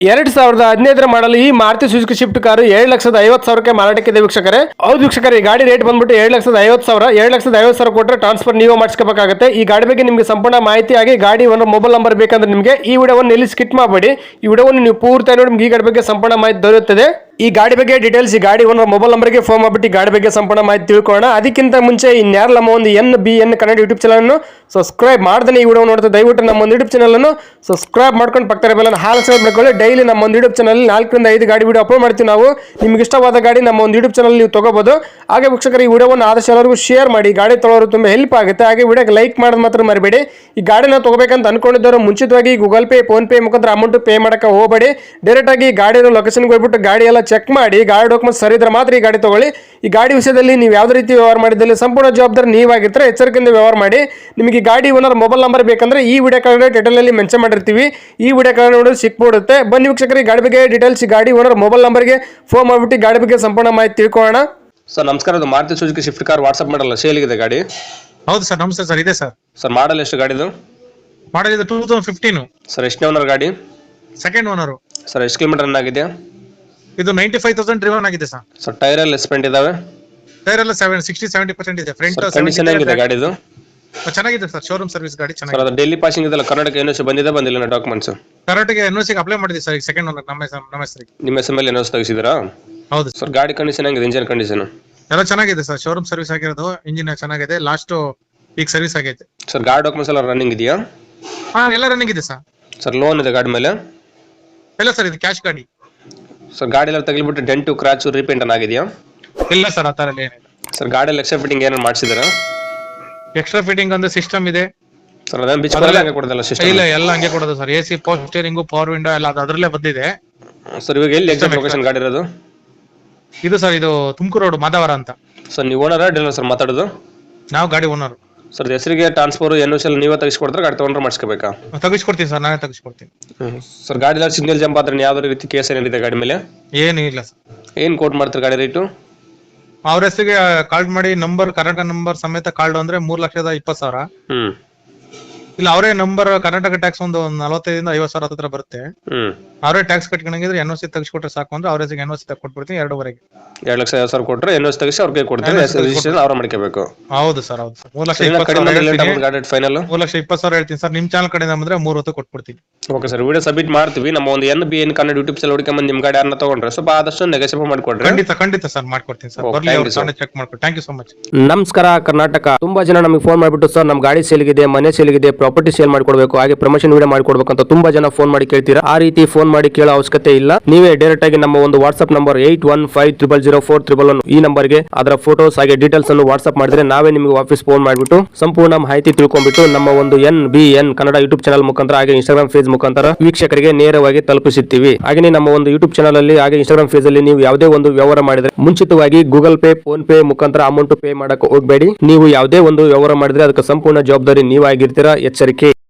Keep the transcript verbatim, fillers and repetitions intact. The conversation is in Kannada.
ಎರಡ್ ಸಾವಿರದ ಹದಿನೈದರ ಮಾಡಲು ಈ ಮಾರುತಿ ಸುಜುಕಿ ಶಿಫ್ಟ್ ಕಾರು ಏಳು ಲಕ್ಷದ ಐವತ್ತು ಸಾವಿರಕ್ಕೆ ಮಾರಾಟಕ್ಕಿದೆ ವೀಕ್ಷಕರೇ. ಹೌದು ವೀಕ್ಷಕರೇ, ಈ ಗಾಡಿ ರೇಟ್ ಬಂದ್ಬಿಟ್ಟು ಏಳು ಲಕ್ಷದ ಐವತ್ತು ಸಾವಿರ ಏಳು ಲಕ್ಷದ ಐವತ್ತು ಸಾವಿರ ಕೊಟ್ಟರೆ ಟ್ರಾನ್ಸ್ಫರ್ ನೀವು ಮಾಡಿಸ್ಕೋಬೇಕಾಗುತ್ತೆ. ಈ ಗಾಡಿ ಬಗ್ಗೆ ನಿಮಗೆ ಸಂಪೂರ್ಣ ಮಾಹಿತಿ ಆಗಿ ಗಾಡಿ ಒಂದು ಮೊಬೈಲ್ ನಂಬರ್ ಬೇಕಂದ್ರೆ ನಿಮಗೆ ಈ ವಿಡಿಯೋವನ್ನು ಎಲ್ಲಿ ಸ್ಕಿಪ್ ಮಾಡಬೇಡಿ. ಈ ವಿಡಿಯೋವನ್ನು ನೀವು ಪೂರ್ತಿ ನೋಡಿ ನಿಮಗೆ ಈ ಗಾಡಿ ಬಗ್ಗೆ ಸಂಪೂರ್ಣ ಮಾಹಿತಿ ದೊರೆಯುತ್ತದೆ. ಈ ಗಾಡಿ ಬಗ್ಗೆ ಡೀಟೇಲ್ಸ್ ಈ ಗಾಡಿ ಒಂದು ಮೊಬೈಲ್ ನಂಬರ್ಗೆ ಫೋನ್ ಮಾಡಿಬಿಟ್ಟು ಈ ಗಾಡಿ ಬಗ್ಗೆ ಸಂಪೂರ್ಣ ಮಾಹಿತಿ ತಿಳ್ಕೊಳ್ಳೋಣ. ಅದಕ್ಕಿಂತ ಮುಂಚೆ ಇನ್ಯಾರು ನಮ್ಮ ಒಂದು N B N Kannada YouTube channel ಅನ್ನು ಸಬ್ಸ್ಕ್ರೈಬ್ ಮಾಡ್ದೇ ಈ ವಿಡಿಯೋ ನೋಡ್ತಾ ದಯವಿಟ್ಟು ನಮ್ಮ ಒಂದು ಯೂಟ್ಯೂಬ್ ಚಾನಲ್ ಅನ್ನು ಸಬ್ಸ್ಕ್ರೈಬ್ ಮಾಡ್ಕೊಂಡು ಪಕ್ಕದ ಬೆಲ್ಲನ್ನು ಹಾಲ್ ಸಬ್ಸ್ಕ್ರೈಬ್ ಮಾಡ್ಕೊಳ್ಳಿ. ಡೈಲಿ ನಮ್ಮ ಒಂದು ಯೂಟ್ಯೂಬ್ ಚಾನಲ್ ನಾಲ್ಕರಿಂದ ಐದು ಗಾಡಿ ವಿಡಿಯೋ ಅಪ್ಲೋಡ್ ಮಾಡ್ತೀವಿ ನಾವು. ನಿಮ್ಗೆ ಇಷ್ಟವಾದ ಗಾಡಿ ನಮ್ಮ ಒಂದು ಯೂಟ್ಯೂಬ್ ಚಾನಲ್ ನೀವು ತಗೋಬಹುದು. ಹಾಗೆ ವೀಕ್ಷಕರು, ಈ ವಿಡಿಯೋವನ್ನು ಆದಷ್ಟು ಎಲ್ಲರಿಗೂ ಶೇರ್ ಮಾಡಿ, ಗಾಡಿ ತೊಗೊಳೋರು ತುಂಬ ಹೆಲ್ಪ್ ಆಗುತ್ತೆ. ಹಾಗೆ ವಿಡಿಯೋಗೆ ಲೈಕ್ ಮಾಡೋದು ಮಾತ್ರ ಮರಿಬೇಡಿ. ಈ ಗಾಡಿನ ತಗೋಬೇಕಂತ ಅನ್ಕೊಂಡಿದ್ದವರು ಮುಂಚಿತವಾಗಿ ಗೂಗಲ್ ಪೇ ಫೋನ್ ಪೇ ಮುಖಾಂತರ ಅಮೌಂಟ್ ಪೇ ಮಾಡಕ್ಕೆ ಹೋಗಬೇಡಿ. ಡೈರೆಕ್ಟ್ ಆಗಿ ಗಾಡಿನ ಲೊಕೇಶನ್ಗೆ ಹೋಗ್ಬಿಟ್ಟು ಗಾಡಿ ಎಲ್ಲ ಚೆಕ್ ಮಾಡಿ, ಗಾಡಿ ಡಾಕ್ಯುಮೆಂಟ್ ಸರಿ ಇದ್ರೆ ಮಾತ್ರ ಈ ಗಾಡಿ ತಗೊಳ್ಳಿ. ಈ ಗಾಡಿ ವಿಷಯದಲ್ಲಿ ನೀವು ಯಾವುದೇ ರೀತಿ ವ್ಯವಹಾರ ಮಾಡಿದಲ್ಲಿ ಸಂಪೂರ್ಣ ಜವಾಬ್ದಾರಿ ನೀವಾಗಿರ್ತಾರೆ. ಎಚ್ಚರಿಕೆಯಿಂದ ವ್ಯವಹಾರ ಮಾಡಿ. ನಿಮಗೆ ಈ ಗಾಡಿ ಓನರ್ ಮೊಬೈಲ್ ನಂಬರ್ ಬೇಕಂದ್ರೆ ಈ ವಿಡಿಯೋ ಕಾರ್ಡ್ ಟೈಟಲ್ ಅಲ್ಲಿ ಮೆನ್ಷನ್ ಮಾಡಿರ್ತೀವಿ. ಈ ವಿಡಿಯೋ ಕಾರ್ಡ್ ನೋಡಿ ಸಿಕ್ಬಿಡುತ್ತೆ. ಬನ್ನಿ ವೀಕ್ಷಕರಿಗೆ, ಗಾಡಿ ಬಗ್ಗೆ ಡೀಟೇಲ್ಸ್ ಗಾಡಿ ಓನರ್ ಮೊಬೈಲ್ ನಂಬರ್ಗೆ ಫೋನ್ ಮಾಡಿಬಿಟ್ಟು ಗಾಡಿ ಬಗ್ಗೆ ಸಂಪೂರ್ಣ ಮಾಹಿತಿ ತಿಳ್ಕೊಳ್ಳೋಣ. ಸರ್ ನಮಸ್ಕಾರ, ಅದು Maruti Suzuki Swift car WhatsApp ಮಾಡಲ್ಲ ಸೇಲ್ಗಿದೆ ಗಾಡಿ. ಹೌದು ಸರ್, ನಮಸ್ತೆ ಸರ್. ಇದೆ ಸರ್. ಸರ್ ಮಾಡಲ್ ಎಷ್ಟು ಗಾಡಿದು? ಮಾಡಲ್ ಇದು ಟೂ ತೌಸಂಡ್ ಫಿಫ್ಟೀನ್. ಸರ್ ಎಷ್ಟನೇ ಓನರ್ ಗಾಡಿ? Second owner. ಸರ್ ಎಷ್ಟು ಕಿಲೋಮೀಟರ್ ರನ್ ಆಗಿದೆ? ಇದು ನೈಂಟಿ ಫೈವ್ ತೌಸಂಡ್ ಡ್ರಿವನ್ ಆಗಿದೆ ಸರ್. ಸರ್ ಟೈರ್ ಎಲ್ಲ ಸ್ಪೆಂಟ್ ಇದಾವೆ? ಟೈರ್ ಎಲ್ಲ ಸೆವೆನ್ ಸಿಕ್ಸ್ಟಿ ಸೆವೆಂಟಿ ಪರ್ಸೆಂಟ್ ಇದೆ. ಫ್ರಂಟ್ ಕಂಡೀಷನ್ ಹೇಗಿದೆ ಗಾಡಿದು? ಚೆನ್ನಾಗಿದೆ ಸರ್. ಶೋರೂಮ್ ಸರ್ವಿಸ್ ಗಾಡಿ ಸರ್ ಚೆನ್ನಾಗಿದೆ. ಅದು ಡೆಲ್ಲಿ ಪಾಸಿಂಗ್ ಇದೆಲ್ಲ, ಕರ್ನಾಟಕ ಎನ್ ಎಸ್ ಬಂದಿದೆ ಬಂದಿಲ್ಲ documents? Karnataka N O C apply ಮಾಡಿದೆ ಸರ್. ಈಗ ಸೆಕೆಂಡ್ ಓನರ್ ನಮ್ಮ ಹೆಸರು ನಮ್ಮ ಹೆಸರಿಗೆ. ನಿಮ್ಮ ಹೆಸರು ಮೇಲೆ ಎನ್ ಎಸ್ ತೆಗಿಸಿದ್ರಾ? ಹೌದು ಸರ್. ಗಾಡಿ ಕಂಡೀಷನ್ ಹೆಂಗಿದೆ? ಇಂಜಿನ್ ಕಂಡೀಷನ್ ಎಲ್ಲ ಚೆನ್ನಾಗಿದೆ ಸರ್. ಶೋರೂಮ್ ಸರ್ವಿಸ್ ಆಗಿರೋದು. ಇಂಜಿನ್ ಚೆನ್ನಾಗಿದೆ. ಲಾಸ್ಟ್ ಈಗ ಸರ್ವಿಸ್ ಆಗೈತೆ ಸರ್. ಗಾಡಿ ಡಾಕ್ಯುಮೆಂಟ್ಸ್ ಎಲ್ಲ ರನ್ನಿಂಗ್ ಇದೆಯಾ? ಹಾ, ಎಲ್ಲ ರನ್ನಿಂಗ್ ಇದೆ ಸರ್. ಸರ್ ಲೋನ್ ಇದೆ ಗಾಡಿ ಮೇಲೆ? ಇಲ್ಲ ಸರ್, ಇದು ಕ್ಯಾಶ್ ಗಾಡಿ. ಸರ್ ಗಾಡಿ ಎಲ್ಲ ತಗಲಿಬಿಟ್ಟು ಡೆಂಟು ಕ್ರಾಚು ರೀಪೇಂಟ್ ಆಗಿದೆಯಾ? ಇಲ್ಲ ಸರ್, ಆ ತರ ಏನಿಲ್ಲ. ಸರ್ ಗಾಡಿ ಎಕ್ಸ್ಟ್ರಾ ಫಿಟ್ಟಿಂಗ್ ಏನಾರು ಮಾಡಿಸಿದಾರಾ? ಎಕ್ಸ್ಟ್ರಾ ಫಿಟ್ಟಿಂಗ್ ಅಂದ್ರೆ ಸಿಸ್ಟಮ್ ಇದೆ ಸರ್. ಅದೇನು ಬಿಚ್ ಹಂಗೆ ಕೊಡೋದಲ್ಲ ಸಿಸ್ಟಮ್? ಇಲ್ಲ, ಎಲ್ಲ ಹಂಗೆ ಕೊಡೋದು sir. A C, power steering, power window ಎಲ್ಲ ಅದು ಅದರಲ್ಲೇ ಬಂದಿದೆ. ಸರ್ ಇವಾಗ ಎಲ್ಲಿ ಎಕ್ಸಾಕ್ಟ್ ಲೊಕೇಶನ್ ಗಾಡಿ ಇರೋದು? ಇದು ಸರ್, ಇದು ತುಮಕೂರು ರೋಡ್ ಮಾದಾವರ ಅಂತ. ಸರ್ ನೀವು ಓನರ್ ಡೀಲರ್ ಸರ್ ಮಾತಾಡೋದು? ನಾವು ಗಾಡಿ ಓನರ್. ಸರ್ ಹೆಸರಿಗೆ ಟ್ರಾನ್ಸ್ಫರ್ ಎನ್ ಎಸ್ ಎಲ್ ನೀವೇ ತೆಗಿಸ್ಕೊಡ್ತಾರೆ, ಗಾಡಿ ತೊಗೊಂಡ್ರೆ ಮಾಡಿಸ್ಕೋಬೇಕಾ? ತೆಗಿಸ್ಕೊಡ್ತೀನಿ ಸರ್, ನಾನೇ ತೆಗಿಸ್ಕೊಡ್ತೀನಿ. ಸರ್ ಗಾಡಿ ಎಲ್ಲ ಸಿಗ್ನಲ್ ಜಂಪ್ ಆದ್ರೆ ಯಾವ್ದೇ ರೀತಿ ಕೇಸ್ ಏನಿದೆ ಗಾಡಿ ಮೇಲೆ? ಏನು ಇಲ್ಲ ಸರ್. ಏನ್ ಕೋಟ್ ಮಾಡ್ತಾರೆ ಗಾಡಿ ರೇಟು? ಅವ್ರ ಹೆಸರಿಗೆ ಕಾರ್ಡ್ ಮಾಡಿ ನಂಬರ್ ಕರ್ನಾಟಕ ನಂಬರ್ ಸಮೇತ ಕಾರ್ಡ್ ಅಂದ್ರೆ ಮೂರ್ ಲಕ್ಷದ ಇಪ್ಪತ್ತು ಸಾವಿರ. ಹ್ಮ್. ಇಲ್ಲ ಅವರೇ ನಂಬರ್ ಕರ್ನಾಟಕ ಟ್ಯಾಕ್ಸ್ ಒಂದು ನಲವತ್ತೈದರಿಂದ ಐವತ್ತು ಸಾವಿರ ಹತ್ರ ಬರುತ್ತೆ. ಹ್ಮ್. ಅವರೇ ಟ್ಯಾಕ್ಸ್ ಕಟ್ಕೊಂಡಂಗಿದ್ರೆ ಎನ್ ಓ ಸಿ ತೆಗಿಸ್ಕೊಟ್ರೆ ಸಾಕು ಅಂದ್ರೆ ಅವ್ರ ಹೆಸರಿಗೆ ಎನ್ ಓ ಸಿ ಕೊಟ್ಬಿಡ್ತೀನಿ. ಎರಡೂವರೆಗೆ ಎರಡು ಲಕ್ಷ ಐವತ್ತು ಸಾವಿರ ಕೊಟ್ಟರೆ ಎನ್ ಓ ಸಿ ತೆಗಿಸಿ ಅವ್ರಿಗೆ ಕೊಡ್ತಾರೆ, ರಿಜಿಸ್ಟ್ರೇಷನ್ ಅವ್ರ ಮಾಡ್ಕೋಬೇಕು. ಹೌದು ಸರ್, ಹೌದು ಸರ್. ಮೂರ್ ಲಕ್ಷ ಗಾಡಿ ಫೈನಲ್ ಮೂರ್ ಲಕ್ಷ ಇಪ್ಪತ್ತು ಸಾವಿರ ಹೇಳ್ತೀನಿ ಸರ್. ನಿಮ್ ಚಾನಲ್ ಕಡೆಯಿಂದ ಬಂದ್ರೆ ಮೂರ್ ಹೊತ್ತು ಕೊಟ್ಬಿಡ್ತೀನಿ. ಓಕೆ ಸರ್, ವಿಡಿಯೋ ಸಬ್ಮಿಟ್ ಮಾಡ್ತೀವಿ. ನಮ್ಮ ಒಂದು N B N Kannada YouTube channel ಹುಡುಕಿ ನಿಮ್ ಗಾಡಿ ಯಾರನ್ನ ತಗೊಂಡ್ರೆ ಸ್ವಲ್ಪ ಆದಷ್ಟು ನೆಗೋಸಿಯೇಟ್ ಮಾಡ್ಕೊಡ್ರಿ. ಖಂಡಿತ ಖಂಡಿತ ಸರ್, ಮಾಡ್ಕೊಡ್ತೀನಿ ಸರ್. ಬರ್ಲಿ, ಚೆಕ್ ಮಾಡ್ಕೊಡಿ. Thank you so much. ನಮಸ್ಕಾರ ಕರ್ನಾಟಕ. ತುಂಬಾ ಜನ ನಮಗೆ ಫೋನ್ ಮಾಡಿಬಿಟ್ಟು ಸರ್ ನಮ್ಮ ಗಾಡಿ ಸೇಲ್ಗಿದೆ, ಮನೆ ಸೇಲ್ಗಿದೆ, ಪ್ರಾಪರ್ಟಿ ಸೇಲ್ ಮಾಡ್ಕೊಡ್ಬೇಕು, ಹಾಗೆ ಪ್ರಮೋಷನ್ ವಿಡಿಯೋ ಮಾಡ್ಕೊಡ್ಬೇಕು ಅಂತ ತುಂಬಾ ಜನ ಫೋನ್ ಮಾಡಿ ಕೇಳ್ತೀರಾ. ಆ ರೀತಿ ಫೋನ್ ಮಾಡಿ ಕೇಳೋ ಅವಶ್ಯಕತೆ ಇಲ್ಲ. ನೀವೇ ಡೈರೆಕ್ಟ್ ಆಗಿ ನಮ್ಮ ಒಂದು WhatsApp number eight one five triple zero four triple one ಈ ನಂಬರ್ಗೆ ಅದರ ಫೋಟೋಸ್ ಹಾಗೆ ಡೀಟೇಲ್ಸ್ ಅನ್ನು ವಾಟ್ಸ್ಆಪ್ ಮಾಡಿದ್ರೆ ನಾವೇ ನಿಮಗೆ ವಾಪಸ್ ಫೋನ್ ಮಾಡಿಬಿಟ್ಟು ಸಂಪೂರ್ಣ ಮಾಹಿತಿ ತಿಳ್ಕೊಂಡ್ಬಿಟ್ಟು ನಮ್ಮ ಒಂದು N B N Kannada YouTube channel ಮುಖಾಂತರ ಹಾಗೆ ಇನ್ಸ್ಟಾಗ್ರಾಮ್ ಪೇಜ್ ಮುಖಾಂತರ ವೀಕ್ಷಕರಿಗೆ ನೇರವಾಗಿ ತಲುಪಿಸುತ್ತೀವಿ. ಹಾಗೆ ನಮ್ಮ ಒಂದು ಯೂಟ್ಯೂಬ್ ಚಾನಲ್ ಅಲ್ಲಿ ಹಾಗೆ ಇನ್ಸ್ಟಾಗ್ರಾಮ್ ಪೇಜ್ ಅಲ್ಲಿ ನೀವು ಯಾವುದೇ ಒಂದು ವ್ಯವಹಾರ ಮಾಡಿದ್ರೆ ಮುಂಚಿತವಾಗಿ ಗೂಗಲ್ ಪೇ ಫೋನ್ ಪೇ ಮುಖಾಂತರ ಅಮೌಂಟ್ ಪೇ ಮಾಡಕ್ಕೆ ಹೋಗಬೇಡಿ. ನೀವು ಯಾವುದೇ ಒಂದು ವ್ಯವಹಾರ ಮಾಡಿದ್ರೆ ಅದಕ್ಕೆ ಸಂಪೂರ್ಣ ಜವಾಬ್ದಾರಿ ನೀವಾಗಿರ್ತೀರಾ. ಎಚ್ಚರಿಕೆ.